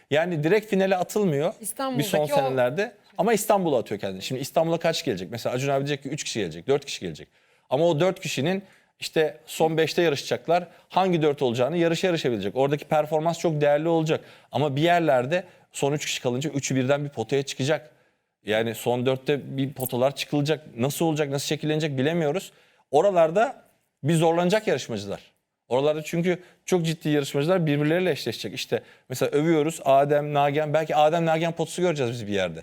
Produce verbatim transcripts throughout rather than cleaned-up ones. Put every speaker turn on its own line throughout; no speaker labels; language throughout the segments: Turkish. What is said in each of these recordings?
Yani direkt finale atılmıyor bir son
İstanbul'daki o-
senelerde. Ama İstanbul'a atıyor kendini. Şimdi İstanbul'a kaç gelecek? Mesela Acun abi diyecek ki üç kişi gelecek, dört kişi gelecek. Ama o dört kişinin işte son beşte yarışacaklar. Hangi dört olacağını yarışa yarışabilecek. Oradaki performans çok değerli olacak. Ama bir yerlerde son üç kişi kalınca üçü birden bir potaya çıkacak. Yani son dörtte bir potalar çıkılacak. Nasıl olacak, nasıl şekillenecek bilemiyoruz. Oralarda bir zorlanacak yarışmacılar. Oralarda çünkü çok ciddi yarışmacılar birbirleriyle eşleşecek. İşte mesela övüyoruz Adem, Nagihan. Belki Adem, Nagihan potusu göreceğiz biz bir yerde.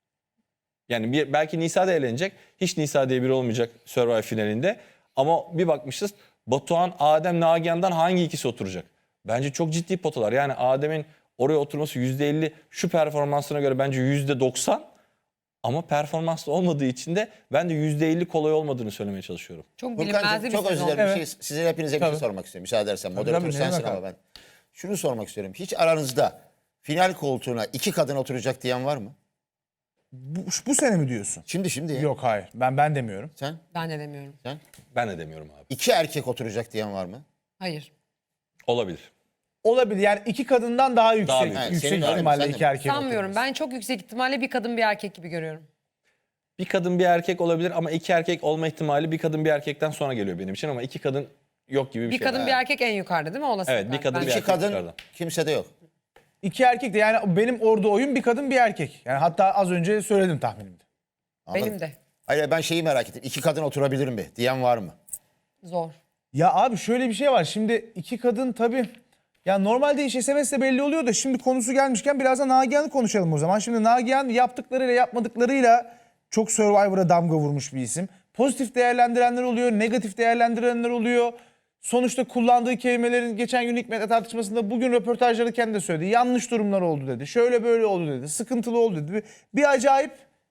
Yani bir, belki Nisa da eğlenecek. Hiç Nisa diye biri olmayacak Survivor finalinde. Ama bir bakmışız Batuhan, Adem, Nagihan'dan hangi ikisi oturacak? Bence çok ciddi potalar. Yani Adem'in oraya oturması yüzde elli, şu performansına göre bence yüzde doksan. Ama performanslı olmadığı için de ben de yüzde elli kolay olmadığını söylemeye çalışıyorum.
Çok
Furkan'cığım
bilinmezli bir
çok özür
sezon.
dilerim. Bir
Evet.
şey, size hepinize bir şey
Tabii.
sormak istiyorum. Müsaade edersen. Moderatör
tabii, ne
sensin
demek
ama
abi?
ben. Şunu sormak istiyorum. Hiç aranızda final koltuğuna iki kadın oturacak diyen var mı?
Bu, bu sene mi diyorsun?
Şimdi şimdi.
Yok hayır. Ben ben demiyorum.
Sen?
Ben de demiyorum.
Sen?
Ben de demiyorum abi.
İki erkek oturacak diyen var mı?
Hayır.
Olabilir.
Olabilir. Yani iki kadından daha yüksek.
Daha büyük.
Evet,
yüksek
senin öyle mi?
ihtimalle
Sen de
iki
mi?
erkeğin
Sanmıyorum.
oturması.
Ben çok yüksek ihtimalle bir kadın bir erkek gibi görüyorum.
Bir kadın bir erkek olabilir ama iki erkek olma ihtimali bir kadın bir erkekten sonra geliyor benim için ama iki kadın yok gibi bir,
Bir
şey.
kadın bir erkek en yukarıda değil mi olasılıklar?
Evet, bir kadın,
Ben-
bir
İki
erkek
kadın
dışarıda.
kimsede yok.
İki erkek de yani benim orada oyun bir kadın bir erkek. Yani hatta az önce söyledim tahminimde.
Anladın?
Benim de.
Hayır ben şeyi merak ettim. İki kadın oturabilir mi diyen var mı?
Zor.
Ya abi şöyle bir şey var. Şimdi iki kadın tabii ya normalde iş S M S'le belli oluyor da şimdi konusu gelmişken biraz da Nagihan'ı konuşalım o zaman. Şimdi Nagihan yaptıklarıyla yapmadıklarıyla çok Survivor'a damga vurmuş bir isim. Pozitif değerlendirenler oluyor, negatif değerlendirenler oluyor. Sonuçta kullandığı kelimelerin geçen gün Hikmet'le tartışmasında bugün röportajları kendi de söyledi. Yanlış durumlar oldu dedi. Şöyle böyle oldu dedi. Sıkıntılı oldu dedi. Bir, bir acayip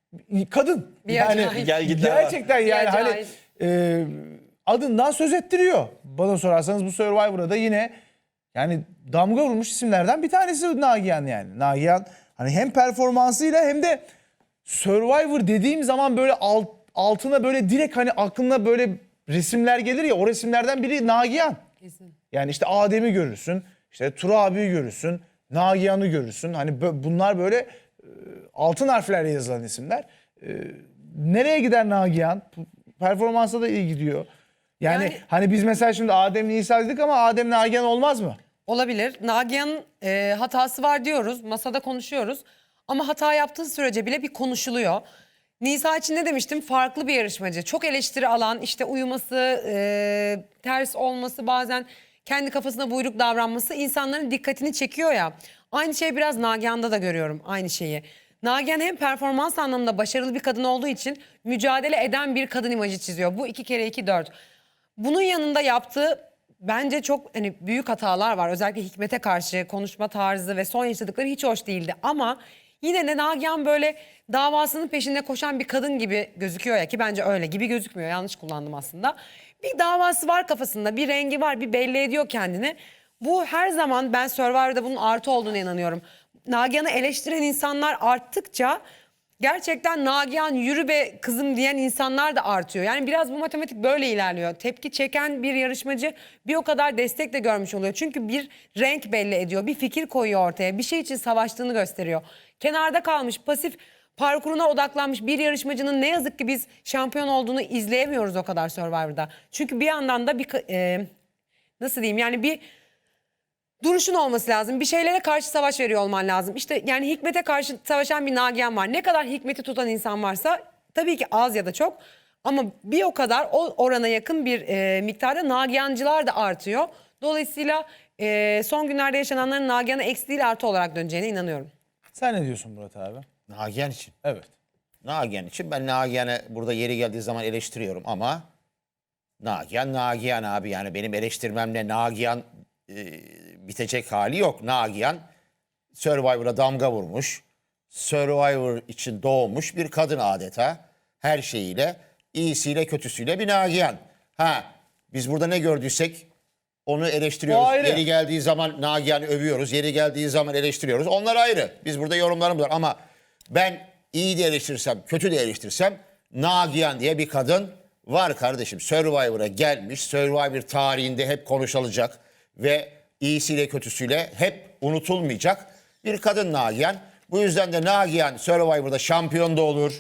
kadın.
Bir
yani
acayip.
Gel gitler var.
gerçekten yani hani
acayip.
e, adından söz ettiriyor. Bana sorarsanız bu Survivor'a da yine yani damga vurmuş isimlerden bir tanesi Nagihan yani. Nagihan hani hem performansıyla hem de Survivor dediğim zaman böyle alt, altına böyle direkt hani aklına böyle resimler gelir ya, o resimlerden biri Nagihan.
Kesin.
Yani işte Adem'i görürsün, işte Tura abiyi görürsün, Nagihan'ı görürsün. Hani bö- bunlar böyle e, altın harflerle yazılan isimler. E, nereye gider Nagihan? Performansa da iyi gidiyor. Yani,
Yani-
hani biz mesela şimdi Adem Nisa dedik ama Adem Nagihan olmaz mı?
Olabilir. Nagihan'ın e, hatası var diyoruz. Masada konuşuyoruz. Ama hata yaptığı sürece bile bir konuşuluyor. Nisa için ne demiştim? Farklı bir yarışmacı. Çok eleştiri alan, işte uyuması, e, ters olması, bazen kendi kafasına buyruk davranması insanların dikkatini çekiyor ya. Aynı şey biraz Nagihan'da da görüyorum aynı şeyi. Nagihan hem performans anlamında başarılı bir kadın olduğu için mücadele eden bir kadın imajı çiziyor. Bu iki kere iki dört. Bunun yanında yaptığı bence çok hani büyük hatalar var. Özellikle Hikmet'e karşı konuşma tarzı ve son yaşadıkları hiç hoş değildi. Ama yine de Nagihan böyle davasının peşinde koşan bir kadın gibi gözüküyor ya, ki bence öyle gibi gözükmüyor. Yanlış kullandım aslında. Bir davası var kafasında, bir rengi var, bir belli ediyor kendini. Bu her zaman, ben Survivor'da bunun artı olduğuna inanıyorum. Nagihan'ı eleştiren insanlar arttıkça gerçekten Nagihan yürü be kızım diyen insanlar da artıyor. Yani biraz bu matematik böyle ilerliyor. Tepki çeken bir yarışmacı bir o kadar destek de görmüş oluyor. Çünkü bir renk belli ediyor, bir fikir koyuyor ortaya, bir şey için savaştığını gösteriyor. Kenarda kalmış, pasif parkuruna odaklanmış bir yarışmacının ne yazık ki biz şampiyon olduğunu izleyemiyoruz o kadar Survivor'da. Çünkü bir yandan da bir e, nasıl diyeyim yani bir duruşun olması lazım. Bir şeylere karşı savaş veriyor olman lazım. İşte yani Hikmet'e karşı savaşan bir Nagihan var. Ne kadar Hikmet'i tutan insan varsa tabii ki az ya da çok. Ama bir o kadar o orana yakın bir e, miktarda Nagihancılar da artıyor. Dolayısıyla e, son günlerde yaşananların Nagihan'a eksi değil artı olarak döneceğine inanıyorum.
Sen ne diyorsun Murat abi?
Nagihan için.
Evet.
Nagihan için ben Nagihan'ı burada yeri geldiği zaman eleştiriyorum ama Nagihan Nagihan abi, yani benim eleştirmemle Nagihan e, bitecek hali yok. Nagihan Survivor'a damga vurmuş, Survivor için doğmuş bir kadın adeta. Her şeyiyle, iyisiyle kötüsüyle bir Nagihan. Ha, biz burada ne gördüysek onu
O
eleştiriyoruz.
ayrı.
Yeri geldiği zaman Nagihan'ı övüyoruz. Yeri geldiği zaman eleştiriyoruz. Onlar ayrı. Biz burada yorumlarımız var ama ben iyi de eleştirsem, kötü de eleştirsem Nagihan diye bir kadın var kardeşim. Survivor'a gelmiş. Survivor tarihinde hep konuşulacak ve iyisiyle kötüsüyle hep unutulmayacak. Bir kadın Nagihan. Bu yüzden de Nagihan Survivor'da şampiyon da olur.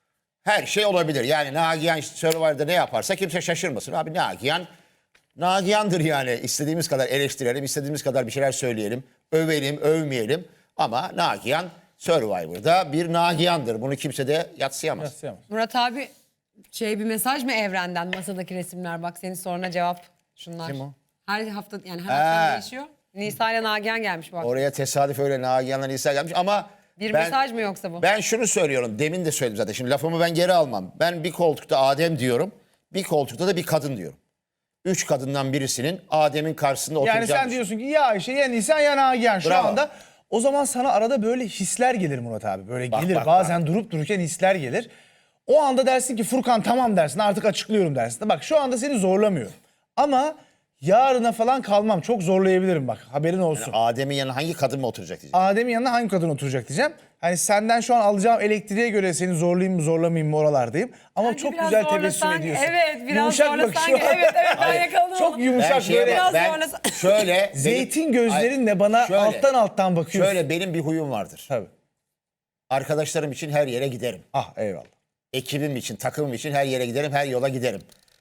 Her şey olabilir. Yani Nagihan Survivor'da ne yaparsa kimse şaşırmasın. Abi Nagihan, Nagihan'dır yani. İstediğimiz kadar eleştirelim, istediğimiz kadar bir şeyler söyleyelim. Övelim, övmeyelim. Ama Nagihan Survivor'da bir Nagihan'dır. Bunu kimse de yadsıyamaz.
Yatsıyamaz.
Murat abi şey bir mesaj mı evrenden masadaki resimler bak senin soruna cevap şunlar.
Kim o?
Her hafta yani her akşam
He.
değişiyor. Nisa ile Nagihan gelmiş bak.
Oraya tesadüf öyle Nagihan'la Nisa gelmiş ama...
Bir
ben-
mesaj mı yoksa bu?
Ben şunu söylüyorum. Demin de söyledim zaten. Şimdi lafımı ben geri almam. Ben bir koltukta Adem diyorum. Bir koltukta da bir kadın diyorum. Üç kadından birisinin Adem'in karşısında
Yani
oturacağını
sen diyorsun ki ya Ayşe ya Nisan ya Nagihan şu
Bravo.
anda. O zaman sana arada böyle hisler gelir Murat abi. Böyle
Bak,
gelir
bak,
bazen durup dururken hisler gelir. O anda dersin ki Furkan tamam dersin artık açıklıyorum dersin. Bak şu anda seni zorlamıyorum. Ama yarına falan kalmam. Çok zorlayabilirim bak haberin olsun.
Adem'in yanına hangi kadın mı oturacak diyeceğim.
Adem'in yanına hangi kadın oturacak diyeceğim. Hani senden şu an alacağım elektriğe göre seni zorlayayım mı zorlamayayım mı oralardayım. Ama
Bence
çok
biraz
güzel
zorlasan-
tebessüm ediyorsun.
evet, biraz
Yumuşak
zorlasan-
bakışıyor.
evet, evet, ben yakaladım
Çok
onu.
yumuşak
Ben şeye
böyle.
bak, ben
zorlasan-
şöyle...
Zeytin
benim-
gözlerinle
Ay,
bana
şöyle,
alttan alttan bakıyorsun.
Şöyle benim bir huyum vardır.
Tabii.
Arkadaşlarım için her yere giderim.
Ah eyvallah.
Ekibim için, takımım için her yere giderim, her yola giderim.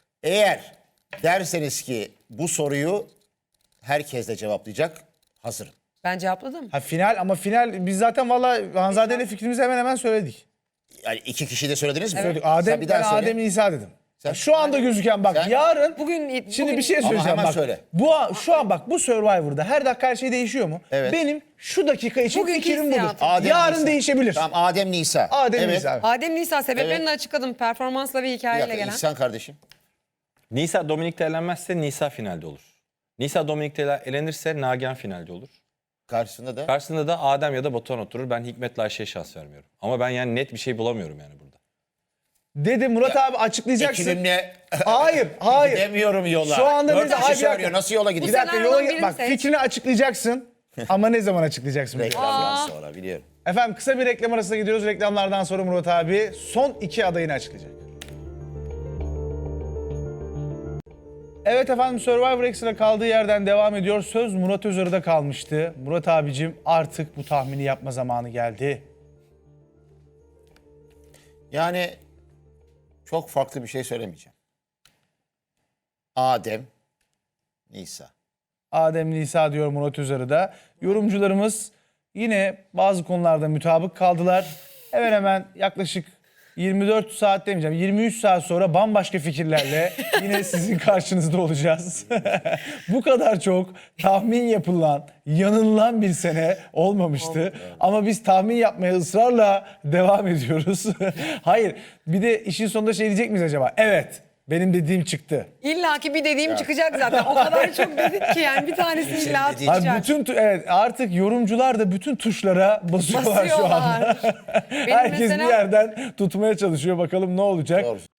Eğer derseniz ki bu soruyu herkes de cevaplayacak, hazırım.
Ben cevapladım.
Ha final ama final biz zaten valla Hanzade ile fikrimizi hemen hemen söyledik.
Yani iki kişi de söylediniz mi?
Söyledik.
Sen
Adem,
bir
ben
daha söyle.
Adem İsa dedim.
Sen-
Şu anda gözüken bak
Sen-
yarın
Bugün-
şimdi
bugün-
bir şey
Ama
söyleyeceğim
hemen
bak.
söyle.
Bu an- şu an bak bu Survivor'da her dakika her şey değişiyor mu?
Evet.
Benim şu dakika için
Bugünkü
fikrim budur.
hissiyatım.
Adem
Yarın
Nisa.
değişebilir.
Tamam Adem Nisa.
Adem
evet.
İsa.
Adem Nisa sebeplerini
Evet.
de açıkladım. Performansla ve
Bir
hikayeyle
dakika,
gelen.
İhsan kardeşim.
Nisa Dominik'te elenmezse Nisa finalde olur. Nisa Dominik'te elenirse Nagihan finalde olur.
Karşısında da
Karşısında da Adem ya da Batuhan oturur. Ben Hikmet'le Ayşe'ye şans vermiyorum. Ama ben yani net bir şey bulamıyorum yani burada.
Dedi Murat abi açıklayacaksın.
ekibimle
Hayır, hayır.
gidemiyorum yola.
Şu anda
Dört
mesela-
kişi
Ay, bir dakika.
söylüyor. Nasıl yola
Bir
gideyim?
dakika
senaryodan
yola
birini
bak
seç.
fikrini açıklayacaksın. Ama ne zaman açıklayacaksın?
Reklamdan sonra biliyorum.
Efendim kısa bir reklam arasına gidiyoruz. Reklamlardan sonra Murat abi son iki adayını açıklayacak. Evet efendim Survivor Extra kaldığı yerden devam ediyor. Söz Murat Özarı'da kalmıştı. Murat abicim artık bu tahmini yapma zamanı geldi.
Yani çok farklı bir şey söylemeyeceğim. Adem, Nisa.
Adem Nisa diyor Murat Özarı'da. Yorumcularımız yine bazı konularda mutabık kaldılar. Hemen hemen yaklaşık yirmi dört saat demeyeceğim yirmi üç saat sonra bambaşka fikirlerle yine sizin karşınızda olacağız. Bu kadar çok tahmin yapılan, yanılan bir sene olmamıştı. Ama biz tahmin yapmaya ısrarla devam ediyoruz. Hayır, bir de işin sonunda şey diyecek miyiz acaba? Evet, benim dediğim çıktı.
İlla ki bir dediğim çıkacak zaten. O kadar çok dedik ki yani bir tanesi illa
dediğin-
Abi
çıkacak.
bütün tu- evet artık yorumcular da bütün tuşlara basıyorlar, şu anda.
Basıyorlar. Benim
Herkes
mesela-
bir yerden tutmaya çalışıyor. Bakalım ne olacak.
Doğru.